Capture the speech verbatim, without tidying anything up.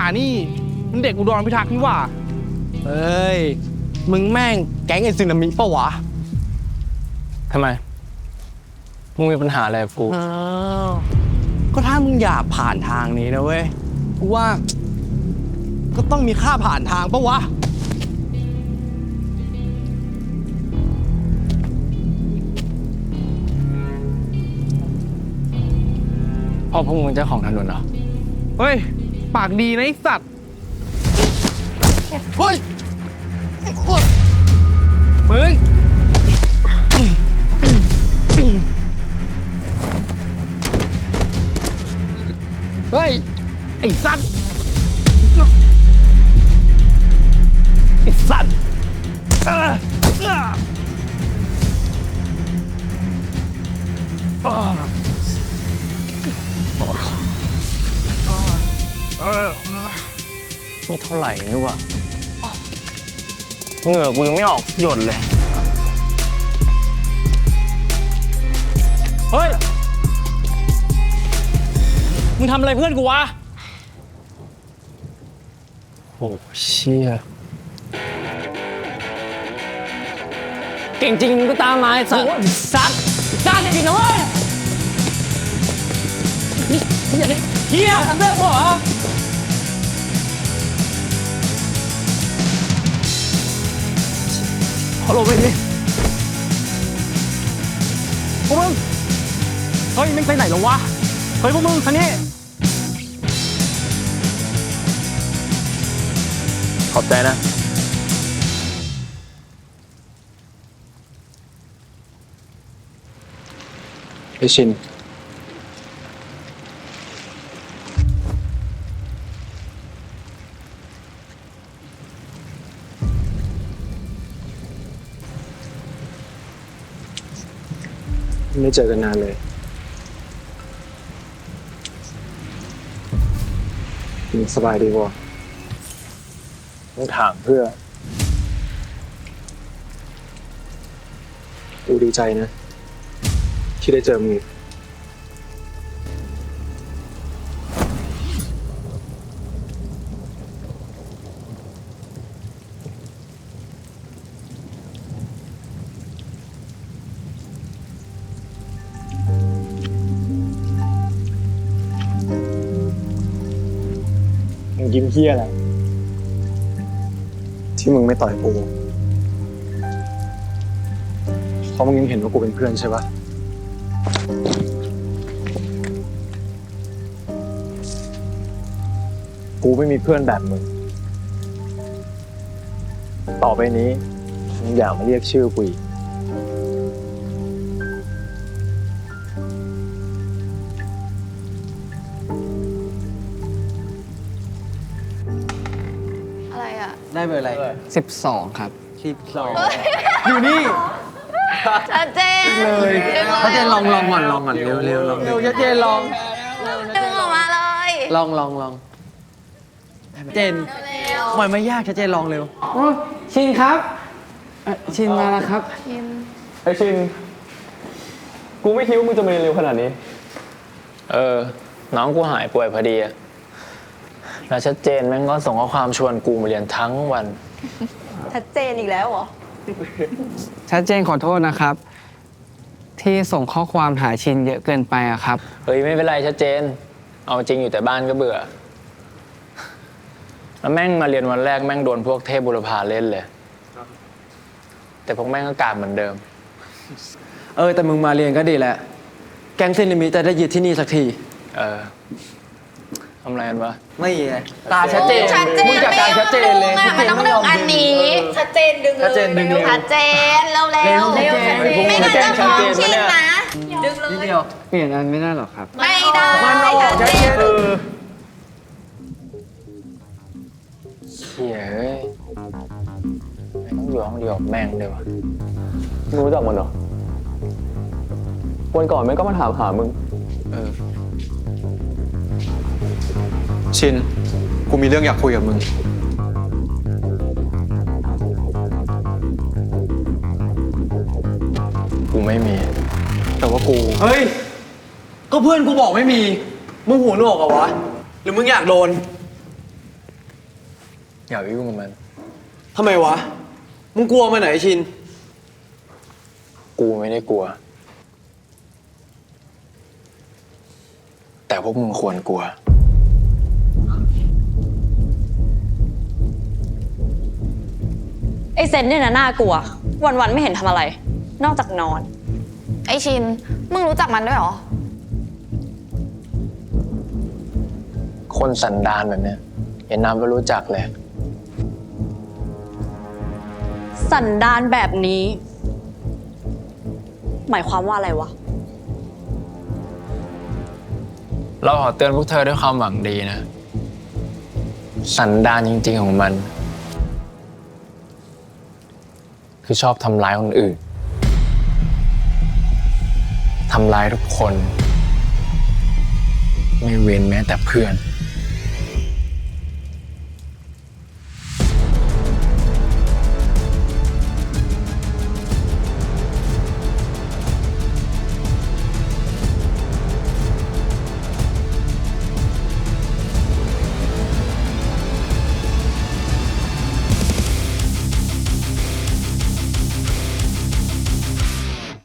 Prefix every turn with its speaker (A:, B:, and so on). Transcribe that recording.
A: นี่มันเด็กอุดรพิทักษ์นี่ว่า
B: เฮ้ยมึงแม่งแก๊งไอซึนามิปะวะ
C: ทำไมมึงมีปัญหาอะไรกับกู
B: อ้าวก็ถ้ามึงอยากผ่านทางนี้นะเว้ยกูว่าก็ต้องมีค่าผ่านทางปะวะ
C: พ่อพวกมึงเจ้าของถนนเหรอ
A: เฮ้ยปากดีนะไอ้สัตว์
B: เฮ้ย
A: มึงเฮ้ยไอ้สัตว์ไอ้สัตว์เออเออเออ
C: ไม่เท่าไหร่นี่วะเหงื่อกูยังไม่ออกหยดเลยเฮ้ยมึงทำอะไรเพื่อนกูวะโอ้เชี่ยเก่งจริงมึงก็ตามมาไอ้สัตว์สัตว์สัตว์จริงนะเว้ยนี่อย่าเนี่ยเฮียทำได้ปะวะขอลงไปดิพวกมึงเฮ้ยมึงไปไหนหรอวะเฮ้ยพวกมึงคันนี้ขอบใจนะไอชินไม่เจอกันนานเลยสบายดีวะต้องถามเพื่อกูดีใจนะที่ได้เจอมึงมึงยิ้มเฮี้ยอะไรที่มึงไม่ต่อยกูเพราะมึงยังเห็นว่ากูเป็นเพื่อนใช่ปะกูไม่มีเพื่อนแบบมึงต่อไปนี้มึงอย่ามาเรียกชื่อกูอีก
B: ได้เบอร์อะไรสิบสองครับสิบสอง
A: อยู่นี่
D: ชัดเจน
B: เลยชัดเจนลองลองก่อนลองก่อนเร็วเร็วลอง
A: เร็วชัดเจนลอง
D: ดึงออกมาเลย
B: ลองลองลองเจนหมายไม่ยากชัดเจนลองเร็วชินครับชินมาแล้วครับ
C: ไอชินกูไม่คิดว่ามึงจะมาเร็วขนาดนี้เออน้องกูหายป่วยพอดีอะแล้วชัดเจนแม่งก็ส่งข้อความชวนกูมาเรียนทั้งวัน
D: ชัดเจนอีกแล้วเหรอ
B: ชัดเจนขอโทษนะครับที่ส่งข้อความหาชินเยอะเกินไปอะครับ
C: เฮ้ยไม่เป็นไรชัดเจนเอาจริงอยู่แต่บ้านก็เบื่อแล้วแม่งมาเรียนวันแรกแม่งโดนพวกเทพบุรพาเล่นเลยแต่พวกแม่งก็กาดเหมือนเดิม
B: เออแต่มึงมาเรียนก็ดีแหละแก๊งซึนามิจะได้ยึดที่นี่สักที
C: เออทำอะไรกันวะ
B: ไม่ไงตาชัดเจนมึงจัดการชัดเจนเลย
D: มันต้องดึงอันนี้ชัดเจนดึง
B: ชัดเจนดึง
D: ชัดเจนเร็วเร็วเร็วไม่งั้นจะฟ้องชินนะดึงเลย
B: นิดเดียวเปลี่ยนอันไม่ได้หรอครับ
D: ไม่ได้ชัดเจน
C: เชี่ยเฮ้ยไม่ต้องอยู่ห้องเดียวแม่งเลยวะมึงรู้จักมันเหรอวันก่อนแม่งก็มาถามหามึง
B: เออชินกูมีเรื่องอยากคุยกับมึง
C: กูไม่มี
B: แต่ว่ากูเฮ้ยก็เพื่อนกูบอกไม่มีมึงหูหนวกเหรอวะหรือมึงอยากโดน
C: อย่าไปยุ่งกับมัน
B: ทำไมวะ มึงกลัวมันไหนชิน
C: กูไม่ได้กลัว แต่พวกมึงควรกลัว
E: ไอเซนเนี่ยนะน่ากลัว วันๆไม่เห็นทำอะไร นอกจากนอน
D: ไอชิน มึงรู้จักมันด้วยเหรอ
C: คนสันดานแบบเนี้ยเห็นน้ำก็รู้จักเลย
E: สันดานแบบนี้ หมายความว่าอะไรวะ
C: เราขอเตือนพวกเธอด้วยความหวังดีนะ สันดานจริงๆของมัน คือชอบทำร้ายคนอื่น ทำร้ายทุกคน ไม่เว้นแม้แต่เพื่อน